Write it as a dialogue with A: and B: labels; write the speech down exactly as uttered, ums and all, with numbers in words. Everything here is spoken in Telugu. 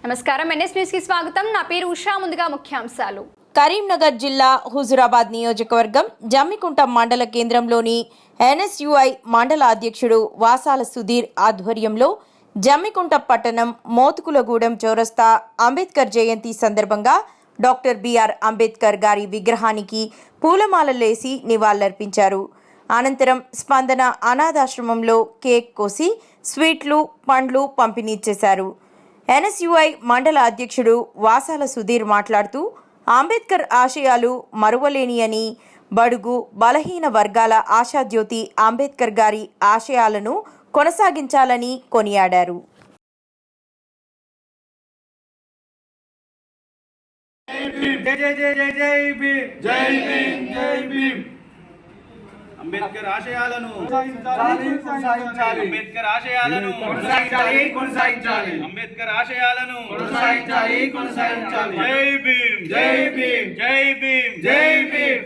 A: నమస్కారం ఎన్ఎస్ న్యూస్ కి స్వాగతం నా పేరు ఉషా ముందుగా ముఖ్యాంశాలు
B: కరీంనగర్ జిల్లా హుజురాబాద్ నియోజకవర్గం జమ్మికుంట మండల కేంద్రంలోని ఎన్ఎస్యుఐ మండల అధ్యక్షుడు వాసాల సుధీర్ ఆధ్వర్యంలో జమ్మికుంట పట్టణం మోతుకులగూడెం చౌరస్తా అంబేద్కర్ జయంతి సందర్భంగా డాక్టర్ బిఆర్ అంబేద్కర్ గారి విగ్రహానికి పూలమాలలేసి నివాళులర్పించారు. అనంతరం స్పందన అనాథాశ్రమంలో కేక్ కోసి స్వీట్లు పండ్లు పంపిణీ చేశారు. ఎన్ఎస్యుఐ మండల అధ్యక్షుడు వాసాల సుధీర్ మాట్లాడుతూ అంబేద్కర్ ఆశయాలు మరువలేని అని, బడుగు బలహీన వర్గాల ఆశాజ్యోతి అంబేద్కర్ గారి ఆశయాలను కొనసాగించాలని కొనియాడారు.
C: అంబేద్కర్ ఆశయాలను అంబేద్కర్ ఆశయాలను కొనసాగించాలి కొనసాగించాలి అంబేద్కర్ ఆశయాలను కొనసాగించాలి కొనసాగించాలి జై భీమ్ జై భీమ్ జై భీమ్ జై భీమ్.